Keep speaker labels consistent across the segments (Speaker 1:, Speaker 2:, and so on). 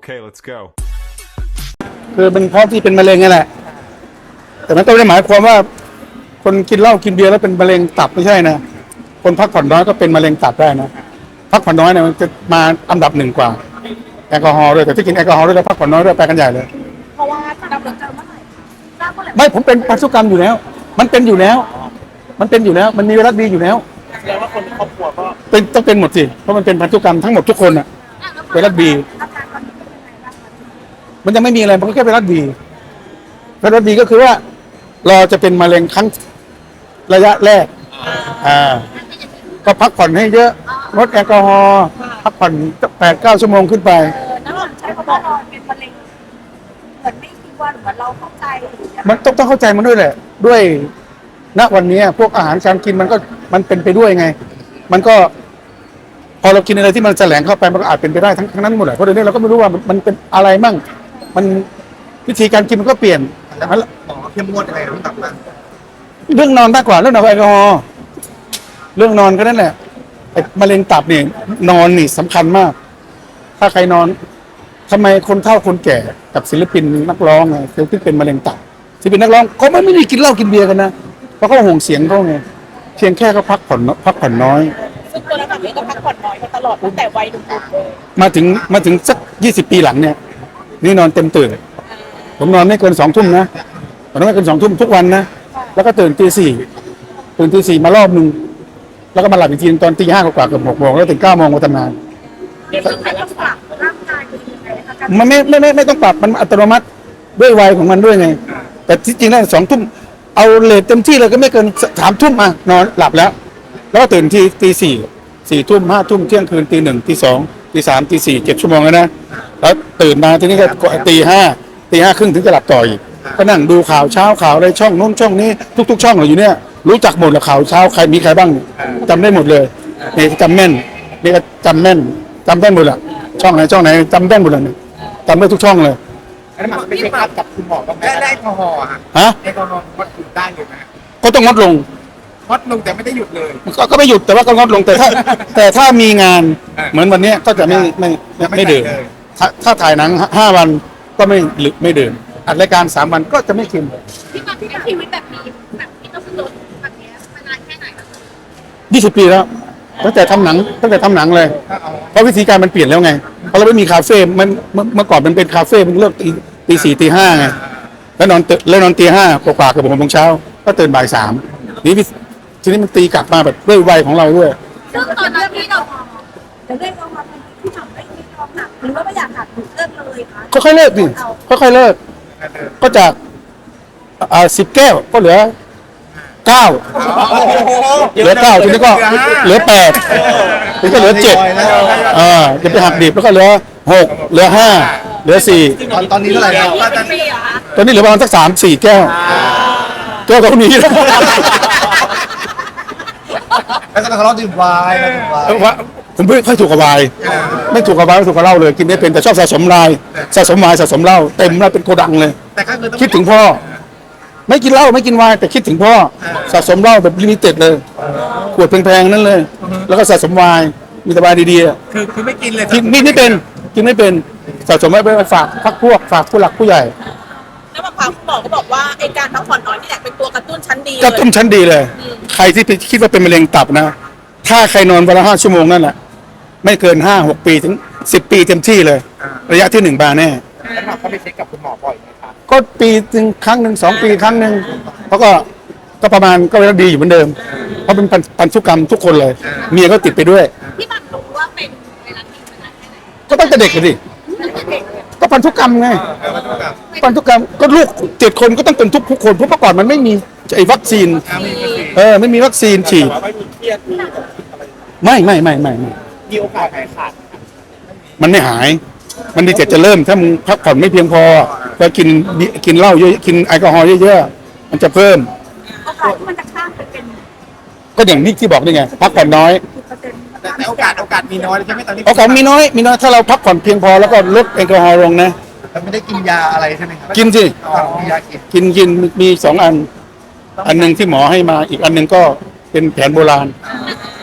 Speaker 1: Okay, let's go.
Speaker 2: คือเป็นเพราะที่เป็นมะเร็งนี่แหละแต่มันก็ไม่ได้หมายความว่าคนกินเหล้ากินเบียร์แล้วเป็นมะเร็งตับไม่ใช่นะคนพักผ่อนน้อยก็เป็นมะเร็งตับได้นะพักผ่อนน้อยเนี่ยมันจะมาอันดับหนึ่งกว่าแอลกอฮอล์ด้วยแต่ที่กินแอลกอฮอล์ด้วยแล้วพักผ่อนน้อยด้วยไปกันใหญ่เลย
Speaker 3: เพราะว่าดำเนินการเมื่อไหร่ทราบเมื่อไหร่
Speaker 2: ไม่ผมเป็นพันธุกรรมอยู่แล้ว มันเป็นอยู่แล้ว มันเป็นอยู่แล้ว มันมีไวรัสบีอยู่แล้ว
Speaker 4: แสดงว่าคนในครอบครัวก็
Speaker 2: เป็นต้องเป็นหมดสิเพราะมันเป็นพันธุกรรมทั้งหมดทุกคนอ่ะไวรัสบี
Speaker 3: อาการตอนนี้เป็นยังไงบ้างคะ
Speaker 2: มันยังไม่มีอะไรมันก็แค่ไวรัสบีไวรัสบีก็คือว่าเราจะเป็นมะเร็งครั้งระยะแรกก็พักผ่อนให้เยอะงดแอลกอฮอล์พักผ่อน8-9 ชั่วโมงขึ้นไป
Speaker 3: น้ำหนักใช้คำว่านอนเป็นมะเร็งเหมือนไม่คิดว่าเหมือนเราเข้าใจหรือยังไง
Speaker 2: มันต้องเข้าใจมันด้วยแหละ ด้วยณวันนี้พวกอาหารการกินมันเป็นไปด้วยไง มันก็ พอเรากินอะไรที่มันแสลงเข้าไปมันก็อาจเป็นไปได้ทั้งนั้นหมดแหละเพราะเดี๋ยวนี้เราก็ไม่รู้ว่ามันเป็นอะไรมั่งมันวิธีการกินมันก็เปลี่ยน
Speaker 4: หมอเข้มงวดยังไงต้องตับบ้าง
Speaker 2: เรื่องนอนมากกว่าเรื่องแอลกอฮอล์เรื่องนอนก็นั่นแหละไอ้มะเร็งตับเนี่ยนอนนี่สำคัญมาก ถ้าใครนอนทำไมคนเฒ่าคนแก่กับศิลปินนักร้องไงศิลปินเป็นมะเร็งตับศิลปินนักร้องเขาไม่ได้กินเหล้ากินเบียร์กันนะเพราะเขาห่วงเสียงเขาไงเพียงแค่เขาพักผ่อนน้อย
Speaker 3: ซึ่งตัวเราแบบนี้ก็พักผ่อนน้อยมาตลอดตั้งแต่วัยหนุ่มๆเลย
Speaker 2: มาถึงสัก20 ปีหลังเนี่ยนี่นอนเต็มตื่นผมนอนไม่เกิน2 ทุ่มนะตอนนั้นไม่เกิน2 ทุ่มทุกวันนะแล้วก็ตื่นตี 4ตื่นตี 4มารอบนึงแล้วก็มาหลับอีกทีตอนตี 5กว่าเกือบ6 โมงแล้วถึง9 โมงมาทำงาน
Speaker 3: ต้องไปรักษาร่างกายเป็นยังไงคะการ
Speaker 2: มันไม่ต้องปรับมันอัตโนมัติด้วยวัยของมันด้วยไง แต่ที่จริงแล้ว2 ทุ่มเอาเลทเต็มที่เลยก็ไม่เกิน3 ทุ่มอ่ะนอนหลับแล้วแล้วก็ตื่นทีตี 4 ทุ่ม5 ทุ่มเที่ยงคืนตี 1ตี 2ตี 3ตี 4 7 ชั่วโมงแล้วนะแล้วตื่นมาทีนี้ก็ตี 5ครึ่งถึงจะหลับต่ออีกก็นั่งดูข่าวเช้าข่าวอะไรช่องโน้นช่องนี้ทุกๆช่องอยู่เนี่ยรู้จักหมดแล้วข่าวเช้าใครมีใครบ้างจำได้หมดเลยนี่จำแม่นนี่ก็จำแม่นจำได้หมดละช่องไหนจำได้หมดเลยจำได้ทุกช่องเลย
Speaker 4: อันนั้นมันไปเช็คอัพกับคุณหมอบ้างไหมได้แอลกอฮอล์อะ
Speaker 2: ฮะ
Speaker 4: แอลกอฮอล์วัดหยุดได้เลยไหม
Speaker 2: ก็ต้องงดลง
Speaker 4: วัดลงแต่ไม่ได้หยุดเลย
Speaker 2: ก็ไม่หยุดแต่ว่าก็งดลงแต่ถ้ามีงานเหมือนวันนี้ก็จะไม่ดื่มถ้าถ่ายหนัง5 วันก็ไม่ดื่มอัดรายการ3 วันก็จะไม่กิน
Speaker 3: ที่มาที่ชีวิตแบบนี้แบบที่ต้องลดแบบนี้มานานแค่ไหนคะ
Speaker 2: 20 ปีแล้วตั้งแต่ทำหนังเลยเพราะวิธีการมันเปลี่ยนแล้วไงเพราะเราไม่มีคาเฟ่มันเมื่อก่อนมันเป็นคาเฟ่มันเลิกตี 4 ตี 5ไงแล้วนอนตี 5กว่าๆเกือบ6 โมงเช้าก็ตื่นบ่าย 3นี่ทีนี้มันตีกลับมาแบบด้วยวัยของเราด้วย
Speaker 3: ซึ่งตอนนั้นที่เราจะเลิกเอามาเป็นที่ทำไม่ยอมหักหรือว่าไม่อยากหักหรือเลิกเลยคะ
Speaker 2: ค่อยๆเลิกดิค่อยๆเลิกก็จาก10 แก้วก็เหลือ 9เหลือ 9ทีนี้ก็เหลือ 8ทีนี้ก็เหลือ 7จะไปหักดิบแล้วก็เหลือ 6เหลือ 5เหลือ 4
Speaker 4: ตอนนี้เท่าไหร่แล้ว
Speaker 3: ปีเหรอคะ
Speaker 2: ตอนนี้เหลือประมาณสัก3-4 แก้วก็มีแล้ว
Speaker 4: แล้วก็ทะเลาะดื่มไวน์นะดื่มไวน์
Speaker 2: ว่าผมไม่ค่อยถูกกับไวน์ไม่ถูกกับไวน์ไม่ถูกกับเหล้าเลยกินได้เป็นแต่ชอบสะสมไวน์สะสมไวน์สะสมเหล้าเต็มแล้วเป็นโกดังเลย
Speaker 4: แต่ก็คือต้อง
Speaker 2: คิดถึงพ่อ ไม่กินเหล้าไม่กินไวน์แต่คิดถึงพ่อสะสมเหล้าแบบลิมิเต็ดเลยขวดแพงๆนั่นเลย แล้วก็สะสมไวน์มีแต่ไวน์ดีๆอะ
Speaker 4: คือไม่กินเลย
Speaker 2: กินไม่เป็นสะสมไว้ไปฝากพักพวกฝากผู้หลักผู้ใหญ่
Speaker 3: แล้วบางครั้งคุณหมอก็บอกว่าไอ้การพักผ่อนน้อยนี่แหละเป็นตัวกระตุ้นชั้นดี
Speaker 2: ก็ต้มชั้นดีเลย ใครที่คิดว่าเป็นมะเร็งตับนะ ถ้าใครนอนวันละ5 ชั่วโมงนั่นแหละไม่เกิน5-6 ปีถึง10 ปีเต็มที่เลย ระยะที่1 บาแน่
Speaker 4: แล้วหมอเขาไปเช็คกับคุณหมอบ่อยไหมครับ
Speaker 2: ก็ปีนึงครั้งหนึ่ง2 ปีครั้งหนึ่งเขาก็ประมาณก็ดีอยู่เหมือนเดิม เพราะเป็นพันธุกรรมทุกคนเลย เมียก็ติดไปด้วย
Speaker 3: ที่มันรู้ว่าเป็นไวรัสนี้มานานแค่ไหน
Speaker 2: ก็ตั้งแต่เด็กเลยดิ
Speaker 3: ตั้งแต่เด็กเลย
Speaker 2: ก็พันธุกรรมไงพันธุกรรมก็ลูก7 คนก็ต้องเป็นทุกคนเพราะเมื่อก่อนมันไม่มีไอ้วัคซีนไม่มีวัคซีนฉีด
Speaker 4: ไม่มีเครียด
Speaker 2: ไม่
Speaker 4: มีโอกาสหายขาด
Speaker 2: มันไม่หาย มันดีแต่จะเริ่มถ้ามึงพักผ่อนไม่เพียงพอก็กินเหล้าเยอะกินแอลกอฮอล์เยอะๆมันจะเพิ่ม
Speaker 3: โอกาสที่มันจะข้ามไปเป็น
Speaker 2: ก็อย่างนี้ที่บอกนี่ไงพักผ่อนน้อย
Speaker 3: 10%
Speaker 4: แต่โอกาสมีน้อยใช่ไหมตอนนี้
Speaker 2: โอกาสมีน้อยถ้าเราพักผ่อนเพียงพอแล้วก็ลดแอลกอฮอล์ลงนะ
Speaker 4: แต่ไม่ได้กินยาอะไรใช่ไหมครับ
Speaker 2: กินสิ
Speaker 4: มียากิน
Speaker 2: กินมี2 อันหนึ่งที่หมอให้มาอีกอันหนึ่งก็เป็นแผนโบราณ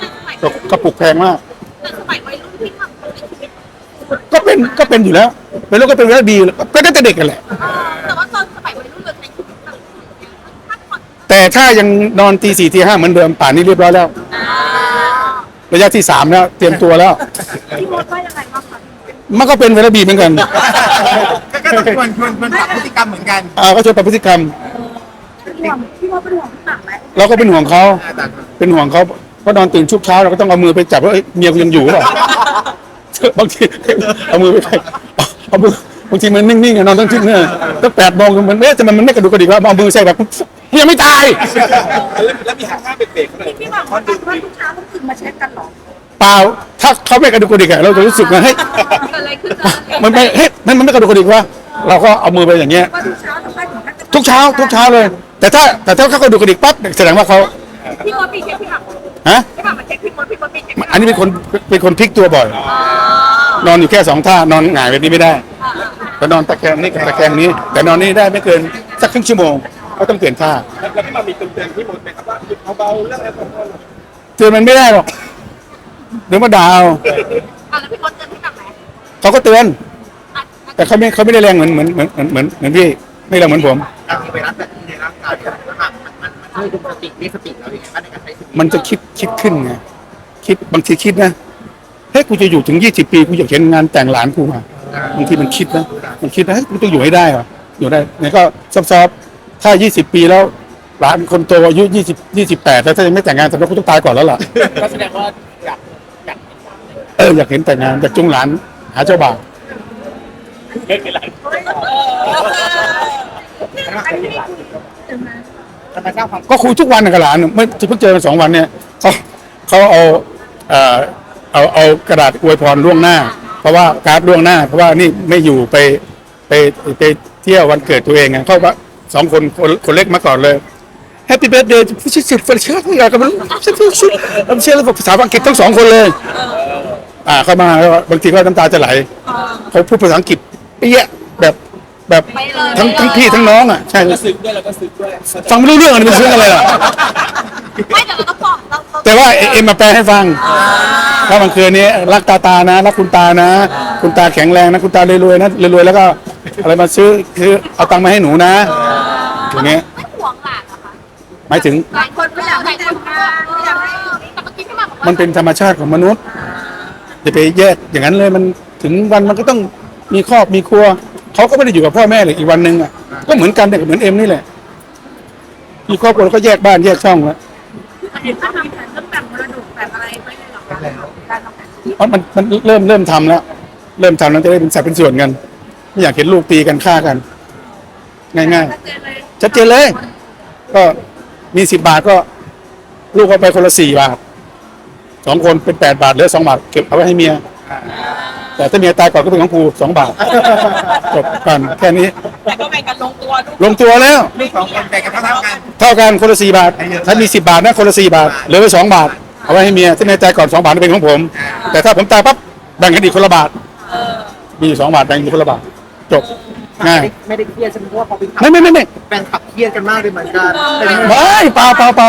Speaker 2: กระปุกแพงมาก
Speaker 3: แต่สมัยวัยรุ่นที่ทำตัวในชีวิต
Speaker 2: ก็เป็นอยู่แล้วเป็นลูกก็เป็นเรื่องดีก็ตั้งแต่เด็กกันแหละ
Speaker 3: แต่ว่าตอนสมัยวัยรุ่นเราใช้ชีวิตแบบพักผ่อน
Speaker 2: แต่ถ้ายังนอนตี 4ตี 5เหมือนเดิมป่านนี้เรียบร้อยแล้ว ระยะที่ 3แล้วเตรียมตัวแล้ว
Speaker 3: พี่มดว่ายังไงบ้างคะ
Speaker 2: มันก็เป็นเวลาบีเหมือนกัน
Speaker 4: ก็ต้องชวนปรับพฤติกรรมเหมือนกัน
Speaker 2: ก็ชวนปรับพฤติกรรม
Speaker 3: พี่มดเป็นห่วงพี่หม่ำไหม
Speaker 2: เราก็เป็นห่วงเขา
Speaker 4: แต่
Speaker 2: เป็นห่วงเขาเพราะนอนตื่นชุกเช้าเราก็ต้องเอามือไปจับว่าเอ้ยเมียกูยังอยู่หรือเปล่า บางทีเอามือไปเอามือบางทีมันนิ่งๆอะนอนตั้งที่เนี่ยตั้ง8 โมงมันเอ๊ะทำไมมันไม่กระดุกกระดิกวะเอามือใส่แบบยังไม่ตาย
Speaker 1: แล้วมีห้างเบรกๆเลย
Speaker 3: พี่หม่ำว่าทุกเช้าต้องตื่นมาเช็คกันหรอ
Speaker 2: เปล่าถ้าเขาไม่กระดุกกระดิกอะเราจะรู้สึกว่าเฮ้ย
Speaker 3: เกิดอะไรขึ้นนะ
Speaker 2: มันไม่เฮ้ยมันไม่กระดุกกระดิกวะเราก็เอามือไปอย่างเงี้ย
Speaker 3: ว่าทุกเช้าทำให้ถึงขั้นจะ
Speaker 2: ทุกเช้าเลย แต่ถ้าเขากระดุกกระดิกปั๊บแสดงว่าเขา
Speaker 3: พี่มดมีเช็คพี่หม่ำ
Speaker 2: ฮะ
Speaker 3: พี่หม่ำมาเช็คพี่มดพี่มดมีเช็ค
Speaker 2: อันนี้เป็นคนพลิกตัวบ่อย นอนอยู่แค่2 ท่านอนหงายแบบนี้ไม่ได้แต่นอนตะแคงนี่กับตะแคงนี้ แต่นอนนี่ได้ไม่เกินสักครึ่งชั่วโมงก็ต้องเปลี่ยนท่า
Speaker 1: แล้วพี่มามีเตือนพี่มดไหมครับว่าหยุดเบาๆเรื่องแอลกอฮอล์
Speaker 2: เตือนมันไม่ได้หรอกเดี๋ยวมาด่าเอา
Speaker 3: แล้วพี่มดเจอพี่หม่ำไหม
Speaker 2: เขาก็เตือน แต่เขาไม่ได้แรงเหมือนพี่ไม่แรงเหมือนผม
Speaker 4: การมีไวรัสแบบนี้ในร่างกายมันช่วยคุมสติมีสติเราอย่างไรบ้างในการใช้ชีวิต
Speaker 2: มันจะคิดขึ้นไงบางทีคิดนะเฮ้ยกูจะอยู่ถึง20 ปีกูอยากเห็นงานแต่งหลานกูมาบางทีมันคิดนะเฮ้ยกูต้องอยู่ให้ได้เหรออยู่ได้เนี่ยก็ซอฟๆถ้า20 ปีแล้วหลานคนโตอายุ28แล้วถ้ายังไม่แต่งงานแสดงว่ากูต้องตายก่อนแล้วล่ะ
Speaker 1: ก็แสดงว่าอยาก
Speaker 2: อยากเห็นแต่งงานอยากจุงหลานหาเจ้าบ่าว
Speaker 1: ไม่เป็นไร
Speaker 3: อันนี้ไม่คุยถึงนะ
Speaker 4: ธรรมชาติความ
Speaker 2: ก็คุยทุกวันกับหลานไม่เพิ่งเจอกัน2 วันเนี่ยเขาเอากระดาษอวยพรล่วงหน้า เพราะว่าการ์ดล่วงหน้า เพราะว่านี่ไม่อยู่ไปเที่ยววันเกิดตัวเองไงเขาว่า2 คนเล็กมาก่อนเลย Happy birthday ผู้ชิดสิบเฟรชอะไรกันไม่รู้ผมเชื่อเลยภาษาอังกฤษทั้ง2 คนเลยเข้ามาแล้วบางทีก็น้ำตาจะไหลเขาพูดภาษาอังกฤษเปี้ยแบบทั้งพี่ทั้งน้องอ่ะใช่
Speaker 1: ก็ซึ้งด้วยแล้วก็ซึ้งด้วย
Speaker 2: ฟังไม่รู้เรื่องอะไรมันซึ้งอะไรล่ะ
Speaker 3: ไม่เดี๋ยวเราต้องบอกเรา
Speaker 2: แต่ว่าเอ็มมาแปลให้ฟังว่ามันคือนี้รักตานะรักคุณตานะ คุณตาแข็งแรงนะคุณตารวยๆนะรวยๆแล้วก็อะไรมาซื้อคือเอาตังค์มาให้หนูนะอย่างเงี้ย
Speaker 3: ไม่ห่วงหลานเหรอคะ
Speaker 2: หมายถึง
Speaker 3: หลายคนไม่อยากให้แต่งงานไม่อยากให้แต่เมื่อกี้พี่หม่ำบอกว่า
Speaker 2: มันเป็นธรรมชาติของมนุษย์จะไปแยกอย่างนั้นเลยมันถึงวันมันก็ต้องมีครอบมีครัวเขาก็ไม่ได้อยู่กับพ่อแม่เลยอีกวันหนึ่งอ่ะก็เหมือนกันเด็กเหมือนเอ็มนี่แหละมีครอบครัวแล้วก็แยกบ้านแยกช่องแล้ว
Speaker 3: เห็นว่าทำแผนเรื่องแบ่งมรดกแบบอะไรไม่ได้หรอกคะการทำแผน
Speaker 2: เพราะมันเริ่มทำแล้วจะได้เป็นสัดเป็นส่วนกันไม่อยากเห็นลูกตีกันฆ่ากัน ง่ายๆชัดเจนเลย ก็มี10 บาทก็ลูกเอาไปคนละ4 บาท2 คนเป็น8 บาทเหลือ2 บาทเก็บเอาไว้ให้เมียแต่ถ้าเมียตายก่อนก็เป็นของกู2 บาทจบกันแค่นี้
Speaker 3: แต่ก็แบ่งกันลงตัวด้วย
Speaker 2: ลงตัวแล้ว
Speaker 4: ลูก2 คนแบ่งกันเท่ากัน
Speaker 2: เท่ากันคนละ4 บาท ถ้ามี10 บาทนะคนละ4 บาทเหลือไว้2 บาทเอาไว้ให้เมียถ้าเมียตายก่อน2 บาทเป็นของผม แต่ถ้าผมตายปั๊บแบ่งกันอีกคนละบาทมีอยู่2 บาทแบ่งอีกคนละบาทจบง่าย
Speaker 4: ไม่ได้เครียดใช่ไหมเพราะว่าพอเป็น
Speaker 2: ไม่
Speaker 4: แฟนขับเครียดกันมากเลยเหมือนกันเป็น
Speaker 2: ไม่เปล่า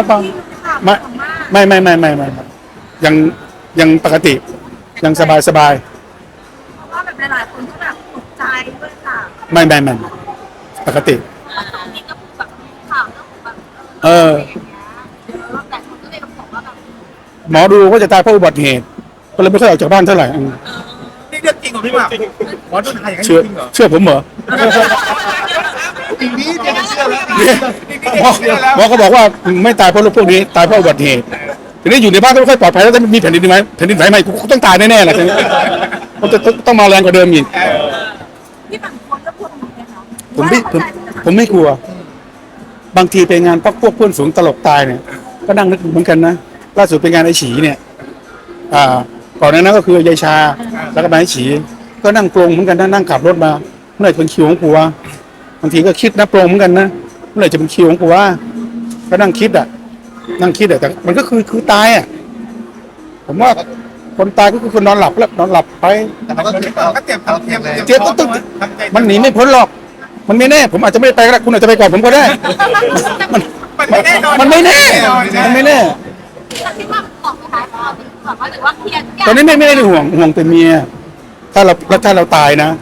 Speaker 2: ไม่ยังปกติยังสบาย
Speaker 3: เพราะว่าแบบหลายๆคนก็แบบตกใจด้วยค่ะ
Speaker 2: ไม่ปกติ
Speaker 3: แล้วตรงนี้ก็แบบข่าวเรื่องของแบบ
Speaker 2: เออ
Speaker 3: แต่คนก็เลยบอกว่าแบบ
Speaker 2: หมอดูว่าจะตายเพราะอุบัติเหตุก็เลยไม่ค่อยออกจากบ้านเท่าไหร่
Speaker 4: นี่เรื่องจริงของพี่หม่ำหมอดูไทยอย่างนั้น
Speaker 2: เชื่อ
Speaker 4: จริงเหรอ
Speaker 2: เชื่อผมเหรอ
Speaker 4: จริงนี่เดี๋ยวเชื่อแล้ว
Speaker 2: หมอก็บอกว่าไม่ตายเพราะโรคพวกนี้ตายเพราะอุบัติเหตุทีนี้อยู่ในบ้านก็ไม่ค่อยปลอดภัยแล้วถ้ามีแผ่นดินไหมแผ่นดินไหวใหม่กูต้องตายแน่ๆแหละทีนี้มันจะต้องมาแรงกว่าเดิมอีก
Speaker 3: พี่หม่ำคนก็พูดเหมือนกันเนาะ
Speaker 2: ผมไม่กลัว บางทีไปงานพวกเพื่อนสูงตลกตายเนี่ยก็นั่งนึกเหมือนกันนะล่าสุดไปงานไอ้ฉีเนี่ยก่อนหน้านั้นก็คือยายชาแล้วก็มาไอ้ฉีก็นั่งปรงเหมือนกันนั่งขับรถมาเมื่อไหร่จะเป็นคิวของกูวะบางทีก็คิดนะปรงเหมือนกันนะเมื่อไหร่จะเป็นคิวของกูวะก็นั่งคิดแต่มันก็คือตายอ่ะผมว่าคนตายก็คือคนนอนหลับแล้วนอนหลับไป
Speaker 4: แต่มันก็เตรียม
Speaker 2: เจ๊ก็ต้องมันหนีไม่พ้นหรอก มันไม่แน่ ผมอาจจะไม่ได้ไปก็ได้คุณอาจจะไปก่อนผมก็ได้
Speaker 4: มันไม่แน่นอน
Speaker 2: มันไม่แน่มันไม่แน่
Speaker 3: แต่พี่หม่ำบอกไหมคะว่าแบบว่าหรือว่าเคลียร์ทุกอย่าง
Speaker 2: ตอนนี้ไม่ได้ห่วงเป็นเมียถ้าเราตายนะ จ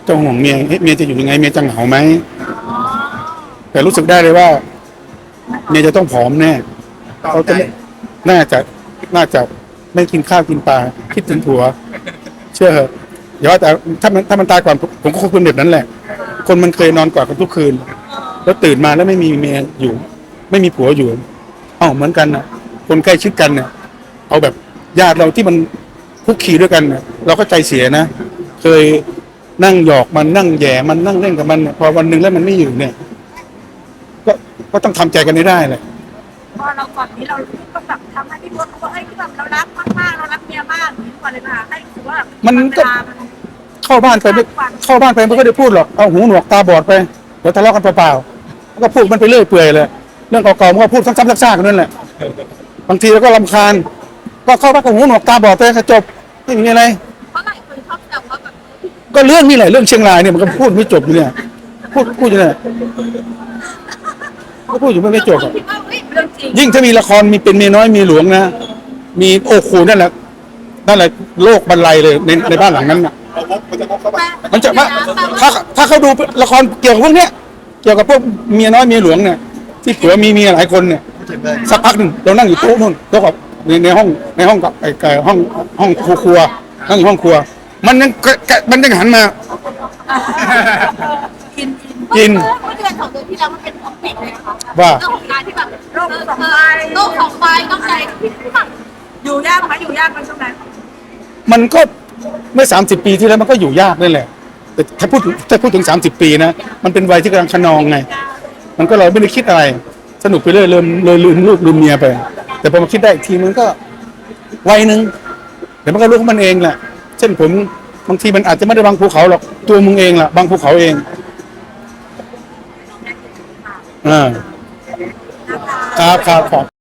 Speaker 2: จะห่วงเมียเฮ้ยเมียจะอยู่ยังไงเมียจะเหงาไหม
Speaker 3: อ๋อ
Speaker 2: แต่รู้สึกได้เลยว่าเมียจะต้องผอมแน่
Speaker 4: ต่อ
Speaker 2: เขา
Speaker 4: ใจ
Speaker 2: จะไม่น่าจะไม่กินข้าวกินปลาคิดถึงผัว เชื่อเหอะอย่าว่าแต่ถ้ามันตายก่อนผมก็คงเป็นแบบนั้นแหละ คนมันเคยนอนกอดกันทุกคืน แล้วตื่นมาแล้วไม่มีเมียอยู่ ไม่มีผัวอยู่เอ้าเหมือนกันนะคนใกล้ชิดกันเนี่ยเอาแบบญาติเราที่มันคุกคีด้วยกันเนี่ยเราก็ใจเสียนะเคยนั่งหยอกมันนั่งแหย่มันนั่งเล่นกับมันเนี่ยพอวันหนึ่งแล้วมันไม่อยู่เนี่ย ก็ต้องทำใจกันให้ได้แหละ
Speaker 3: พอเราก่อนนี้เราก็แบบทำให้พี่พศเขาบอกเอ้ยที่แบบเรารักมากๆเรารักเมียมากอย่างนี้ก่อนเลยค่ะให้รู้สึกว่า
Speaker 2: มันก็
Speaker 3: เวลามัน
Speaker 2: เข้าบ้านไปไม่ค่อยได้พูดหรอกเอาหูหนวกตาบอดไปเดี๋ยวทะเลาะกันเปล่าๆแล้วก็พูดมันไปเรื่อยเปื่อยเลยเรื่องเก่าๆมันก็พูดซ้ำๆซากๆกันนั่นแหละบางทีเราก็รำคาญก็เข้าบ้านกับหูหนวกตาบอดไปก็จบไม่มีอะไร
Speaker 3: เพราะหลายคนชอบแซวว่าแบบ
Speaker 2: ก็เรื่องนี่แหละเรื่องเชียงรายเนี่ยมันก็พูดไม่จบอยู่เนี่ยพูดอยู่เนี่ยก็พูดอยู่ไม่จบ
Speaker 3: ค
Speaker 2: อะ
Speaker 3: นคิดว่าเฮ้ยเรื่องจริง
Speaker 2: ยิ่งถ้ามีละครมีเป็นเมียน้อยมีหลวงนะมีโอ้โหนั่นแหละโลกบรรลัยเลยในบ้านหลังนั้นน่ะ
Speaker 1: เอาวกมันจะวกเข้าไป
Speaker 2: มันจะถ้าเขาดูละครเกี่ยวกับพวกเนี้ยเกี่ยวกับพวกเมียน้อยเมียหลวงเนี่ยที่ผัวมีเมียหลายคนเนี่ย
Speaker 4: พูดถึงเลย
Speaker 2: สักพักหนึ่งเรานั่งอยู่โต๊ะนู่นโต๊ะกับในห้องกับไอ้ห้องครัวนั่งอยู่ห้องครัว มันยังหันมา
Speaker 3: กิน
Speaker 2: กิน
Speaker 3: เมื่อเดือนสองเดือนที่แล้วมันเป็นของเป็ดเลยนะคะ
Speaker 2: ว่า
Speaker 3: เรื่องของการที่แบบโรคสองใบ
Speaker 5: โลกของใบต้องใจที่แบบ
Speaker 3: อยู่ยากไหมอยู่ยากไหมช่วงนั้น
Speaker 2: มันก็เมื่อ30 ปีที่แล้วมันก็อยู่ยากนั่นแหละแต่ถ้าพูดถึง30 ปีนะมันเป็นวัยที่กำลังขนองไง มันก็เราไม่ได้คิดอะไร สนุกไปเรื่อยเลยลืมลูกลืมเมียไป แต่พอมาคิดได้อีกทีมันก็วัยหนึ่งเดี๋ยวมันก็รู้ของมันเองแหละเช่นผมบางทีมันอาจจะไม่ได้บางภูเขาหรอกตัวมึงเองแหละบางภูเขาเองครับ